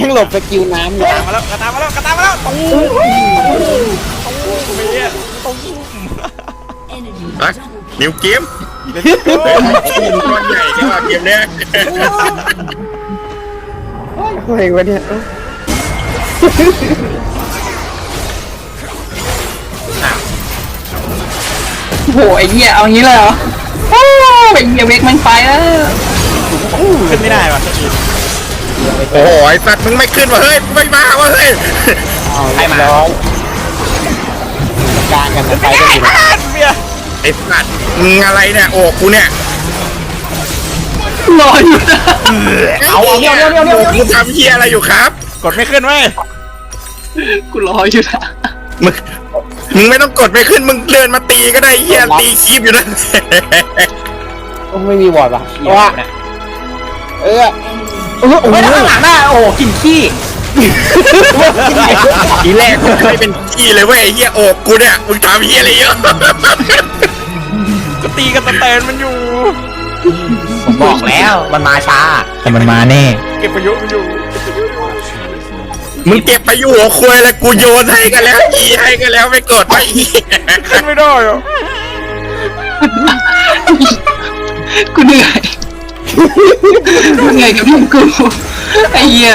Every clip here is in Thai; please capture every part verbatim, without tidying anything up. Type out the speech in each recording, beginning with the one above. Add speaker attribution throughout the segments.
Speaker 1: หลบสกิลน้ำเลย
Speaker 2: ตามมาแล้วกระตามมาแล้วกระตามมาแล้วตุ้มตุ้มไปเนี่ยตุ้ม
Speaker 3: นิวเกมก้อนใหญ่ที่ว่าเกมเนี้ย
Speaker 1: อะไรวะเนี่ย
Speaker 4: โหไอ้เหี้ยเอางี้เลยเหรอโอ้ไอ้เหี้ยเวกมันไปแล้ว
Speaker 2: ขึ้นไม่ได้ว่ะ
Speaker 3: โอ้โหไอ้สัตว์มึงไม่ขึ้นวะเฮ้ยไม่มาวะเฮ้ย
Speaker 1: เอาเรียบร้อยกลางกันไปกันอยู่นะ
Speaker 2: เบียร์
Speaker 3: ไอ้สัตว์มึงอะไรเนี่ยโอ้กูเนี่ย
Speaker 4: รออยู่นะ
Speaker 3: เอาเดี๋ยวเดี๋ยวเดี๋ยวเดี๋ยวมึงทำเฮียอะไรอยู่ครับ
Speaker 2: กดไม่ขึ้นเว้ย
Speaker 4: กูรออยู่นะ
Speaker 3: มึงมึงไม่ต้องกดไปขึ้นมึงเดินมาตีก็ได้เฮียตีคีบอยู่นั่น
Speaker 1: ไม่มีวอร์ดป่ะว่าเออเออโอ้ยข้างหลังน่ะโอ้กินขี้
Speaker 3: ทีแรกมึงไม่เป็นขี้เลยเว้ยเฮียโอ้กูเนี่ยมึงทำเฮียอะไรเยอะ
Speaker 2: ก็ตีกันตะเตนมันอยู่
Speaker 1: ผมบอกแล้วมันมาช้าแต่มันมาแน่
Speaker 2: เก็บประโยชน์มันอยู่
Speaker 3: มึงเก็บไปอยู่หัวควยเลยกูโยนให้กันแล้วอีให้กันแล้วไม่กดไม่
Speaker 2: ขึ้นไม่ได้อ่ะ
Speaker 4: กูเหนื่อยกูเหนื่อยกับพี่กูไอ้เหี้ย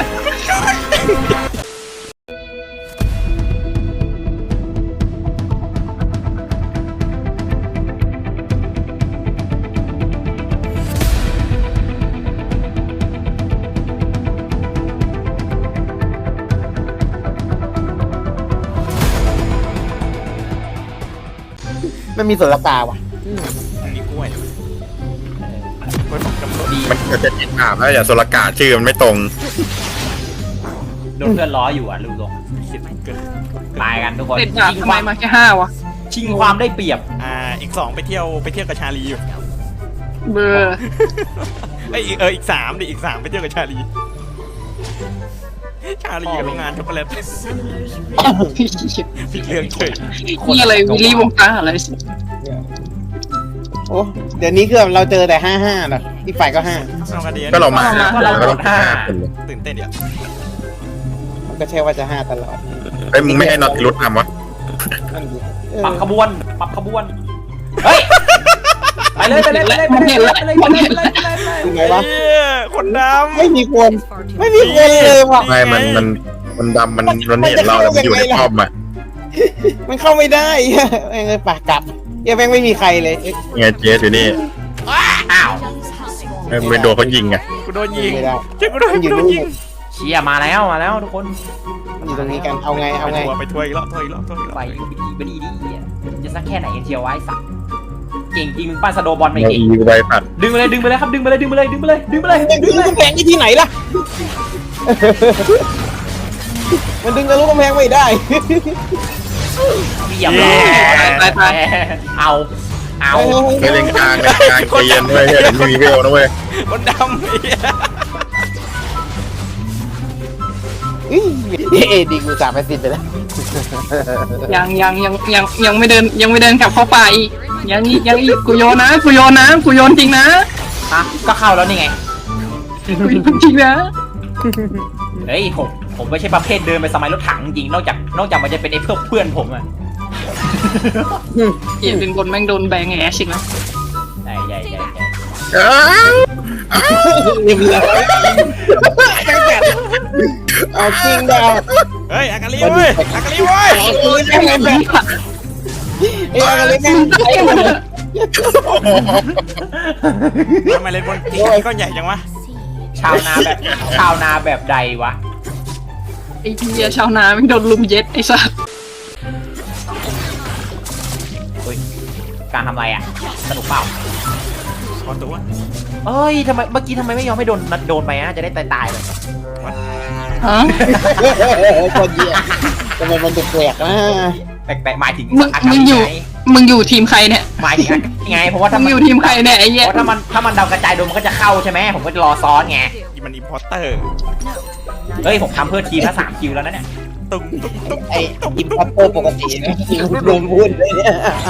Speaker 1: มันมีส่วนละกาว่ะ
Speaker 2: มีกล้วยกล้วยผมกำลังดี
Speaker 3: มันจะติดอ่าวแล้วอย่าโซลกาชื่อมันไม่ตรง
Speaker 5: โดนเพื่อนล้ออยู่อ่ะลืมลง
Speaker 2: คิดเกิน
Speaker 5: ตายกันทุกคน
Speaker 4: เด็ดดาบ
Speaker 5: ชิง
Speaker 4: ทำ
Speaker 5: ค
Speaker 4: ไม
Speaker 5: วาม
Speaker 4: มาแค่ห้าวะ
Speaker 5: ชิงความได้เปรียบ
Speaker 2: อ่าอีกสองไปเที่ยวไปเที่ยวกับชาลีอยู่
Speaker 4: เบอร์
Speaker 2: ไอยเอออีกสามดิอีกสามไปเที่ยวกับชาลีชาลีกับโรงงานช็อกโกแลตผิดเรื่องเฉย
Speaker 4: นี่อะไรวิลลี่วงการอะไร
Speaker 1: โอ้เดี๋ยวนี้คือเราเจอแต่ห้าห้านะอีกฝ่ายก็ห้า
Speaker 2: เอากระเดียน
Speaker 3: ก็เรามา
Speaker 5: ก็เรา
Speaker 3: ก็
Speaker 5: ก
Speaker 3: ต้อง
Speaker 5: ดห้า
Speaker 3: คนเลย
Speaker 2: ตื่นเต้นเดี๋ยว
Speaker 1: มันก็ใช่ว่าจะห้าตลอด
Speaker 3: ไอ้มึงไม่ให้น็อตรุดทำวะ
Speaker 1: นั่นดิ
Speaker 5: ปรับขบวนปรับขบวนเฮ้ยไปเลยไปเลยไปเลยไปเลยไปเลยไปเลยไปเลยไปเลย
Speaker 1: ยังไงวะ
Speaker 2: เหี้ยคนดำ
Speaker 1: ไม่มีคนไม่มีคนเลยว่ะ
Speaker 3: ไม่มันมันมันดำมันมันเห็นเราแล้วมันอยู่ในป้อมอ่ะ
Speaker 1: มันเข้าไม่ได้เออปากกลับเยังแม่งไม่มีใครเลย
Speaker 3: ไงเจสอยู่นี่
Speaker 5: อ้าว
Speaker 3: ไม่โดนเขายิงไง
Speaker 2: กูโดนยิง
Speaker 1: ไม่ได้
Speaker 2: เจ้ากูโดน
Speaker 1: มันอยู่
Speaker 2: กูโด
Speaker 1: นู่
Speaker 2: น
Speaker 1: น
Speaker 2: ยิง
Speaker 5: เชียมาแล้วมาแล้วทุกคน
Speaker 1: มันอยู่ตรงนี้กันเอาไงเอาไง
Speaker 2: ไปทัวร์ไปทัวร์อีกรอบทัวร์อีกรอบทัวร์อีกรอบ
Speaker 5: ไปไปดีไปดีดีจะสักแค่ไหนเชียวไว้สักเก่งจริงมึงปั้นสโดบอลไม่
Speaker 3: เรา
Speaker 5: เก่ง
Speaker 3: อีไปปัด
Speaker 5: ดึงไปเลยดึงไปเลยครับดึงไปเลยดึงไปเลยดึงไปเลยดึงไปเลย
Speaker 1: มันดึงกำแพงที่ที่ไหนล่ะ มันดึงทะลุกำแพงไม่ได้
Speaker 5: เรียบร้อยเอาเอา
Speaker 3: ไปเล่นกลางเล่นกลางใจเย็นเว้ยเดี๋ยวไม่มีเวลนะเว้ย
Speaker 2: คนดำเหี้ย
Speaker 1: เอดีกูสามแปดสิบไปแล้ว
Speaker 4: ยังยังยังยังยังไม่เดินยังไม่เดินกลับเข้าป่าอีกยังอีกยังอีกกูโยนนะกูโยนนะกูโยนจริงนะ
Speaker 5: ฮะก็เข้าแล้วนี่ไง
Speaker 4: กูโยนจริงนะ
Speaker 5: เฮ้ยผมผมไม่ใช่ประเภทเดินไปสมัยรถถังจริงนอกจากนอกจากมันจะเป็นไอ้พวกเพื่อนผมอะ
Speaker 4: เหี้ยเป็นคนแม่งโดนแบงแอชอีกแล้ว
Speaker 5: ใหญ่ใหญ่ใหญ่ใหญ่
Speaker 3: อ้าว
Speaker 1: เรียบร้อยเอาจริงดาว
Speaker 2: เฮ้ยอากาลีเว้ยอากาลีเว้ย
Speaker 1: เอาจริงได้ไหมเอ้ยอะไรแม่ง
Speaker 2: ทำไมเล่นบนที่ก้อนใหญ่จังวะ
Speaker 5: ชาวนาแบบชาวนาแบบใดวะ
Speaker 4: ไอ้เหี้ยชาวนาแม่งโดนลุมเย็ดไอ้สัส
Speaker 5: เฮ้ยการทำอะไรอ่ะสนุกเปล่า
Speaker 2: ขอตัว
Speaker 5: เอ้ยทำไมเมื่อกี้ทำไมไม่ยอมให้โดนโดนไปอ่ะจะได้ตายตายเลย
Speaker 4: ฮะ
Speaker 1: คนเดียวทำไมมันแปลกๆนะ
Speaker 5: แปลกๆหมายถึง
Speaker 4: มึงมึงอยู่มึงอยู่ทีมใครเนี่ย
Speaker 5: หมายถึงไงเพราะว่าถ้า
Speaker 4: มึง
Speaker 5: มัน
Speaker 4: อยู่ทีมใครเนี่ยไอ้
Speaker 5: เพ
Speaker 4: เหี้ย
Speaker 5: ราะถ้ามันถ้ามันเดากระจายโดนมันก็จะเข้าใช่ไหมผมก็รอซ้อนไง
Speaker 2: อีมันอิมพอร์เตอร์
Speaker 5: เฮ้ยผมทำเพื่อทีมละสามคิวแล้วนะเนี่ย
Speaker 2: ตุ้งตุ้งตุ้ง
Speaker 1: ไอ้อิมพัตเตอร์ปกตินะโดนพูดเลยเนี่ย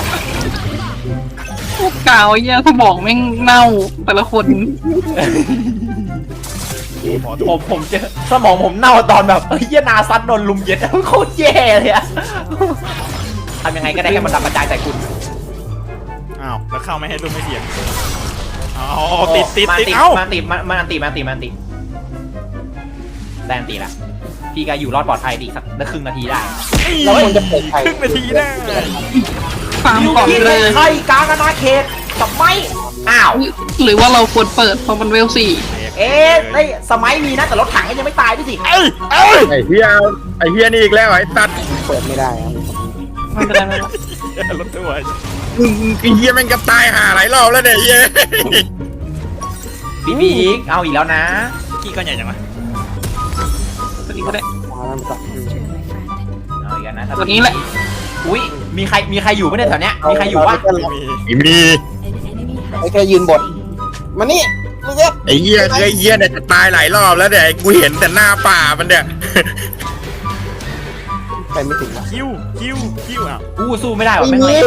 Speaker 4: พวกกาวไอ้เหี้ยสมองแม่งเน่าแต่ละคน
Speaker 1: เย้
Speaker 2: หมอ
Speaker 5: ผ
Speaker 2: ถูก
Speaker 5: มผมเจอสมองผมเน่าตอนแบบเฮ้ยเหี้ยนาซัดโดนลุมเย็ดโคตรแย่เลยอะทำยังไงก็ได้ให้มันดับกระจายใส่คุณ
Speaker 2: อ้าวแล้วเข้าไม่ให้ลูกไม่เสียงเอาติดติด
Speaker 5: มา
Speaker 2: ติด
Speaker 5: ติด
Speaker 2: เอ้า
Speaker 5: มาติดมามาติดมาติดมาติดแดนติดละพี่ก็อยู่รอดปลอดภัยดีสักครึ่งนาทีได้
Speaker 1: เราควรจะเปิดไฟ
Speaker 2: ครึ่งนาทีได้
Speaker 4: ฟาร์ม
Speaker 5: ยู
Speaker 4: ก่อน
Speaker 5: กิ
Speaker 4: เล
Speaker 5: เลย ยใครกลางอาณาเขตกับไม่อ้าว
Speaker 4: หรือว่าเราควรเปิดเพราะมันเวลสี่
Speaker 5: เอ๊ะไอ้สมัยมีนะแต่รถถังก็ยังไม่ตายด้วยสิ
Speaker 2: เอ้ยเอ้ย
Speaker 3: ไอ้เฮียไอ้เฮียนี่อีกแล้วไอ้ตัด
Speaker 1: เปิดไม่ได้ครับ
Speaker 4: ไม่เป็นไรไม่เป็นไร
Speaker 2: รถตัว
Speaker 3: มึงไอ้เฮียแม่งกับตายหาหลายรอบแล้วเนี่ยเฮีย
Speaker 5: บีบีอีกเอาอีกแล้วนะ
Speaker 2: ขี้ก้อนใหญ่จังวะ
Speaker 4: ตัวนี้ก็ได้
Speaker 1: มาแล้วมันก็
Speaker 5: เอาอีกแล้วนะ
Speaker 4: ตัวนี้แหละ
Speaker 5: อุ้ยมีใครมีใครอยู่ไหมเนี่ยแถวเนี้ยมีใครอยู่วะ
Speaker 2: ไม่มี
Speaker 3: มี
Speaker 1: ไอ้แค่ยืนบดมานี่มึงเนี่ย
Speaker 3: ไอ้เฮียไอ้เฮียเนี่ยจะตายหลายรอบแล้วเนี่ยกูเห็นแต่หน้าป่ามันเนี่ย
Speaker 1: ไปไม่ถึง
Speaker 2: คิวคิวคิวอ้าว
Speaker 5: อู้สู้ไม่ได้หรอ
Speaker 1: ไอ้
Speaker 5: แม่ง
Speaker 1: มิ
Speaker 5: เล็ก
Speaker 1: ว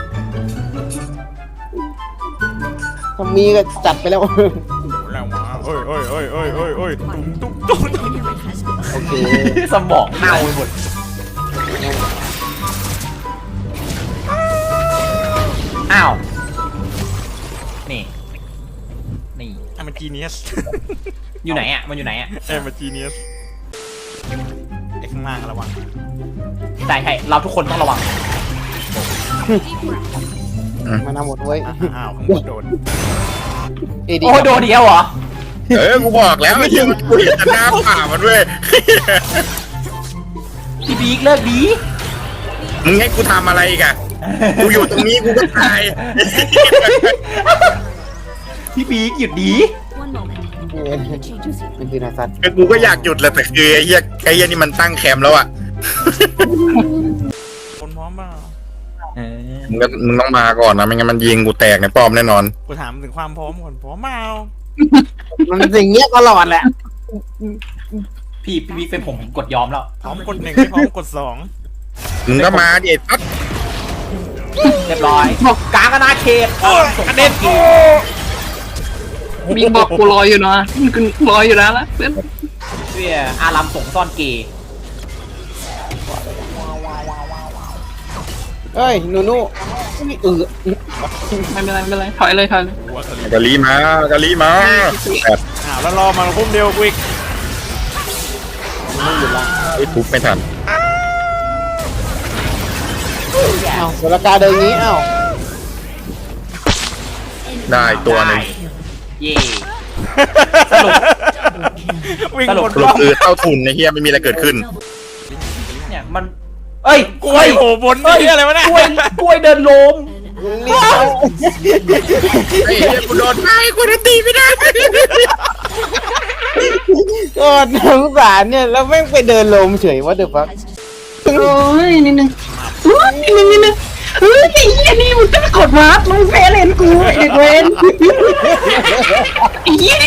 Speaker 1: ถ้ามีก็จัดไปแล้ว
Speaker 2: แล้วมาเอ้ยเอ้ยเอ้ยเอ้ยเอ้ยเอ้ยตุ้มตุ้มตุ้ม
Speaker 1: โอเค
Speaker 5: สมองเน่าไปหมดอ้าวนี่นี่
Speaker 2: อ่ะมันจีเนียส
Speaker 5: อยู่ไหนอ่ะมันอยู่ไหนอ่ะ
Speaker 2: เอ้ยมันจีเนียสไอ้ข้างล่างระวัง
Speaker 5: ใช่ใช่เราทุกคนต้องระวัง
Speaker 1: มาทำหมดเว้ย
Speaker 2: อ้าวข้างบนโดน
Speaker 1: เอดี
Speaker 5: โอ้โดนเดียวเหรอ
Speaker 3: เออกูบอกแล้วไอ้เฮียกูเห็นแต่หน้าป่ามันเว้ย
Speaker 5: พี่บิ๊กเลิกดี
Speaker 3: มึงให้กูทำอะไรอีกอะกูอยู่ตรงนี้กูก็ตาย
Speaker 5: พี่บิ๊กหยุดดี
Speaker 6: One moment.
Speaker 1: มันคือนาซัต
Speaker 3: คือกูก็อยากหยุดแหละแต่คือไอ้เฮียไอ้เฮียนี่มันตั้งแคมป์แล้วอะ
Speaker 2: คนพร้อมเปล่า
Speaker 5: เออ
Speaker 3: มึงก็มึงต้องมาก่อนนะไม่งั้นมันยิงกูแตกในป้อมแน่นอน
Speaker 2: กูถามถึงความพร้อมก่อนพร้อมเปล่า
Speaker 1: มันสิ่างเงี้ยตลอดแหละ
Speaker 5: พี่พี่บิ๊กเป็นผมผมกดยอมแล้ว
Speaker 2: พร้อมกดหนึ่งไม่พร้อมกดสอง
Speaker 3: มึงก็มาดิไอ้ตั๊ด
Speaker 5: เรียบร้อยกลางอาณาเขต
Speaker 2: โอ้ยกระเด็นโอ้
Speaker 4: มีบอกกูรออยู่นะกูรออยู่นะละเพื่อน
Speaker 5: เพื่ออารัมส่งซ่อนเกย์
Speaker 1: เอ้ยหนูนูเออ
Speaker 4: ไม่เป็นไรไม่เป็นไรถอยเลยถอยเลย
Speaker 2: หัวทะเล
Speaker 3: กะลีมากะลีมาแบบ
Speaker 2: อ้าวแล้วรอมาพุ่มเดียวกูอีก
Speaker 1: ไม่หยุดละ
Speaker 3: ไอ้ทุบไม่ทัน
Speaker 1: เอ้าเวลากาเดินงี้เอ้า
Speaker 3: ได้ตัวหนึ่ง
Speaker 5: เย่สรุป
Speaker 2: วิ่ง
Speaker 5: สรุป
Speaker 2: หมด
Speaker 3: ส
Speaker 2: ร
Speaker 3: รุ
Speaker 2: อ
Speaker 3: ป
Speaker 2: บ
Speaker 3: คือเต้าทุนในเฮียไม่มีอะไรเกิดขึ้น
Speaker 5: เนี่ยมันเอ้ย
Speaker 2: กล้วยโผล่บนนี่อะไรวะเนี่ย
Speaker 5: กล้วยกล้วยเดินลม
Speaker 1: นี่เอา
Speaker 3: ไอ้เฮียกูโดนไอ้กูจะตีไม่ได้
Speaker 1: ก็สงสารเนี่ยแล้วแม่งไปเดินลมเฉยว่าเดี๋ยวฟัก
Speaker 4: โอ้ยนิดนึงโอ้ยนิดนึงนิดนึงเฮ้ยไอ้เหี้ยนี่มึงจะกดมาร์คมึงเฟรเลนกูไอ้เด็กเวนไอ้เหี้ยนี่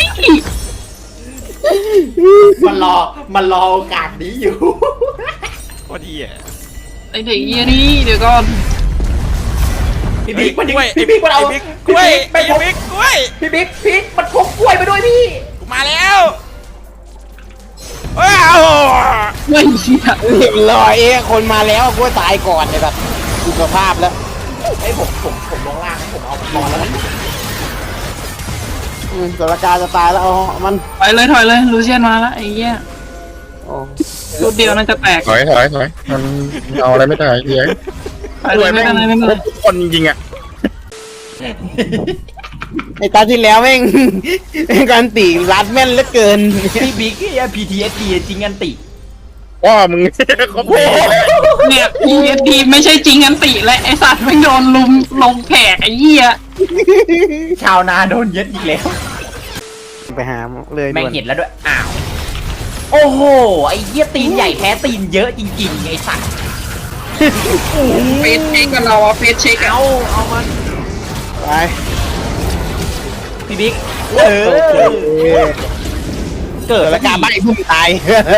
Speaker 5: มันรอมันรอโอกาสนี้อยู่
Speaker 2: โคตรดีอ่ะ
Speaker 4: ไอ้เด็กเหี้ยนี่เดี๋ยวก่อน
Speaker 5: พี่บิ๊กมัน
Speaker 2: กล้วย
Speaker 5: พี่บิ๊กมันเอา
Speaker 2: ไอ้บิ๊กกล้วย
Speaker 5: ไป
Speaker 2: ไอ้
Speaker 5: พก
Speaker 2: บิ๊กกล้วย
Speaker 5: พี่บิ๊กพี่มันพกกล้วยไปด้วยพี่
Speaker 2: กูมาแล้วว้าว
Speaker 4: ไม่เชี่ย
Speaker 1: เรียบร้อยเอ้คนมาแล้วกูตายก่อนเลยแบบดูสภาพแล้ว
Speaker 5: ไอ้ยผมผมผมลงล่างนะผมเอาบอลแล้วนะ
Speaker 1: อืมสถานการณ์จะตายแล้วเอามัน
Speaker 4: ถอยเลยถอยเลยลูเซียนมาแล้วไอ้เหี้ย
Speaker 1: โอ้
Speaker 4: รูดเดียวน่าจะแตก
Speaker 3: ถอยถอยถอยมันเอาอะไรไม่ได้เฮีย
Speaker 4: ถอยเลยไม่เป็นไรไม่เป็น
Speaker 3: คร
Speaker 4: ไร
Speaker 3: บทุกคนจริงๆอ่ะ
Speaker 1: ไอ้ตาที่แล้วแม่ง การตีรัดแม่นเหลือเกิน
Speaker 5: พี่บิ๊กไอ้ พี ที เอส ดี จริงกันติ
Speaker 3: ว่ามึง เขาตีเลย
Speaker 4: เนี่ย พี เอส ดี ไม่ใช่จริงอันติและไอสัตว์ไม่โดนลุมลงแผกไอ้เหี้ย
Speaker 5: ชาวนาโดนเย็ดอีกแล้ว
Speaker 1: ไปหาเลย
Speaker 5: แม่ง
Speaker 1: ด่วน
Speaker 5: เห็นแล้วด้วย อ้าว โอ้โห ไอ้เหี้ยตีนใหญ่แท้ตีนเยอะจริงๆ ไอ้สัตว์
Speaker 4: เฟสเช็คกันเราอะเฟสเช็ค
Speaker 5: เอา เอามัน
Speaker 1: ไป
Speaker 5: พี่บิ๊ก เออ
Speaker 1: โอเค
Speaker 5: เกิด
Speaker 1: สถานการณ์ใบพุ่งตาย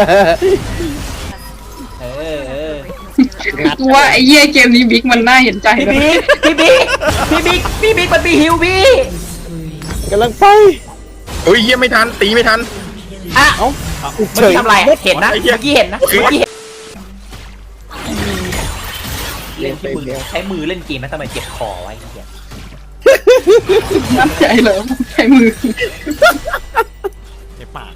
Speaker 5: เออเออ
Speaker 4: กูว่าไอ้เหี้ยเกมนี้บิ๊กมันน่าเห็นใจ
Speaker 5: พี่
Speaker 4: นะ
Speaker 5: บิ๊ก พี่บิ๊ก พี่บิ๊ก พี่บิ๊กมันมีฮิวพี่
Speaker 1: กำลังไป
Speaker 3: โอ้ยเฮียไม่ทันตีไม่ทัน
Speaker 5: อ่ะ
Speaker 1: เอ้า
Speaker 5: เมื่อกี้ทำอะไรเห็นนะเมื่อกี้เห็นนะเมื่อกี้เห็นเล่นที่มือใช้มือเล่นเกมนะทำไมเจ็บคอไว้เหี้ย
Speaker 4: น้ำใจเหรอใช้มือ
Speaker 2: ในปาก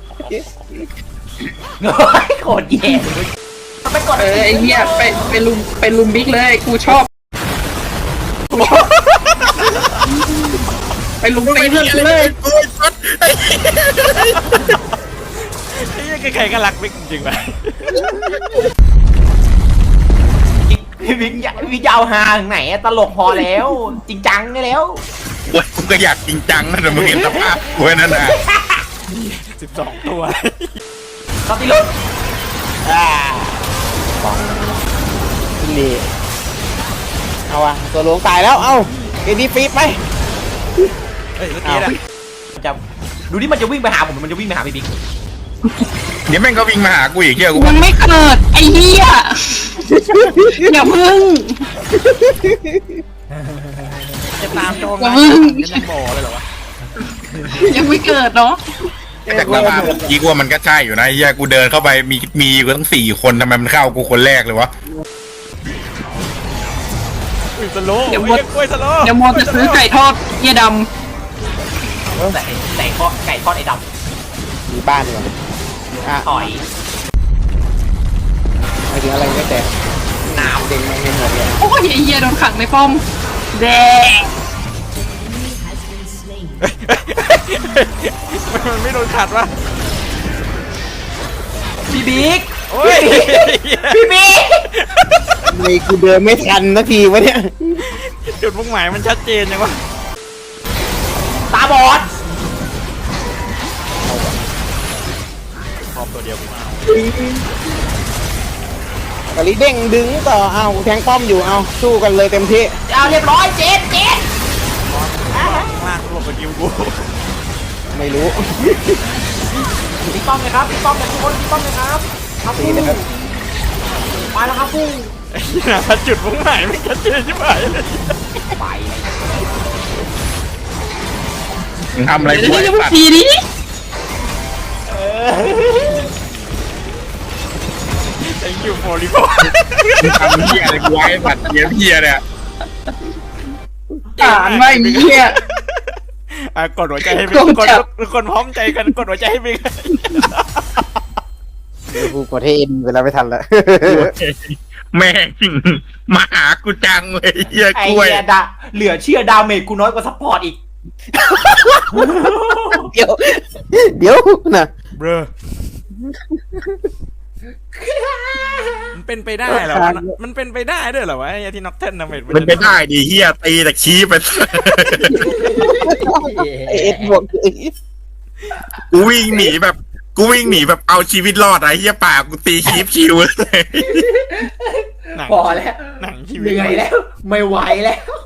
Speaker 5: โคตรแย่เลยไปกด
Speaker 4: เออไอ้เหี้ยไปไปลุมไปลุมบิ๊กเลยกูชอบไปลุมตีเพื่อนกูเลย
Speaker 3: โอ้ยช็อตไอ้เหี้ย
Speaker 2: ไอ้เหี้ยใครๆก็รักบิ๊กจริงๆไป
Speaker 5: พี่วิงวิงยาวหาถึงไหนตลกพอแล้ว จริงจังได้แล้ว
Speaker 3: โอ้ยกูก็อยากจริงจังนะแต่มึงเห็นสภาพกูนั่นน่ะ
Speaker 2: สิบสองตัว
Speaker 5: สติลุก
Speaker 1: อ่าบองดีเอาอะตัวหลวงตายแล้ว เอาเอ็นดีฟีดไป
Speaker 2: เฮ้ยเมื่อกี้นะ
Speaker 5: จะดูนี่มันจะวิ่งไปหาผมมันจะวิ่งไปหาพี่บิ๊ก
Speaker 3: เดี๋ยวแม่งก็วิ่งมาหากูอีกเหี้ยกู
Speaker 4: ยังไม่เกิดไอ้เหี้ยอย่าพึ่ง
Speaker 2: จะตามโจม
Speaker 4: อย่า
Speaker 2: นะ
Speaker 4: พึ่ง
Speaker 2: ยังบอกเลยเหรอวะ
Speaker 4: ยังไม่เกิดเนาะ
Speaker 3: จากสภาพเมื่อกี้กูว่ามันก็ใช่อยู่นะไอ้เหี้ยกูเดินเข้าไปมีมีอยู่ตั้งสี่คนทำไมมันเข้ากูคนแรกเลยวะ
Speaker 2: อุ้ยสโลว์ไอ้เหี้ยกล้วยสโลว์
Speaker 4: เดี๋ยวโมจะซื้อไก่ทอดเหี้ยด
Speaker 5: แต่ไก่ทอดไก่ทอดไอ้ด
Speaker 1: มีบ้านดีกว่าอ่ะ
Speaker 5: ำต่อย
Speaker 1: ไปถึงอะไรไม่แต่
Speaker 5: น้
Speaker 1: เด็กมันไม่หมดเลย
Speaker 4: ำโอ้ยไอ้เหี้ยโดนขังในป้อมแดง
Speaker 2: มันไม่โดนขัดวะ
Speaker 5: ำพี่บิ๊ก
Speaker 2: โอ้ย
Speaker 5: พี่บิ๊ก
Speaker 1: มีกูเดินไม่ทันนาทีวะเนี่ย
Speaker 2: จุดมุ่งหมายมันชัดเจนยังวะ
Speaker 5: ตาบอด
Speaker 2: พร้อมตัวเดียวกูมาเอา
Speaker 1: กะลิเด้งดึงต่อเอาแทงป้อมอยู่เอาสู้กันเลยเต็มที่
Speaker 5: เอาเรียบร้อยเจ็ดเจ็ด
Speaker 2: ข้างล่างหลบไปกิวกู
Speaker 1: ไม่รู้
Speaker 5: พี่ป้อมเลยครับพี่ป้อมเลยทุกคนพี่ป้อมเลยครับครับ
Speaker 1: ตีนะครับ
Speaker 5: ไปแล้วครับพุ่ง
Speaker 2: ไอ้เหี้ยจุดมุ่งหมายมันชัดเจนใช่ไหม
Speaker 5: ไป
Speaker 3: มึงทำอะไร
Speaker 4: เดี๋ยว
Speaker 3: กู
Speaker 4: เดี๋ยว
Speaker 3: ไอ้
Speaker 4: เดี๋ยว
Speaker 3: สัตว์
Speaker 4: ทีนี้
Speaker 2: ไอ้ยูโฟลิโฟ
Speaker 3: มึงทำเหี้ยอะไรกูไอ้สัตว์เหี้ยเหี้ยเนี่ย
Speaker 4: อ่านไม่มีเหี้ย
Speaker 2: อ่ะกดหัวใจให้บิ๊กกดทุกคนพร้อมใจกันกดหัวใจให้บิ๊ก
Speaker 1: เดี๋ยวกูกดให้เอ็นเวลาไม่ทันแล้ว
Speaker 3: แม่งมาหากูจังเลยเหี้ย
Speaker 5: ไอ้
Speaker 3: กล้วย
Speaker 5: เหี้ยดาเหลือเชื่อดาเมจกูน้อยกว่าซัพพอร์ตอีก
Speaker 1: เดี๋ยว เดี๋ยวนะ
Speaker 2: เบรอมันเป็นไปได้เหรอวะมันเป็นไปได้ด้วยเหรอวะไอ้ที่น็อกเทนนะเมด
Speaker 3: มันไปได้ดิเหี้ยตีแต่ชี้ไป
Speaker 1: ไอเอ็ดบวก
Speaker 3: กูวิ่งหนีแบบกูวิ่งหนีแบบเอาชีวิตรอดอะเหี้ยป่ากูตีคีฟชิวเลย
Speaker 2: หนัง
Speaker 5: พอแล้ว
Speaker 2: หนังชี
Speaker 5: เห
Speaker 2: วิต
Speaker 5: นื่อยแล้ว ไม่ไหวแล้ว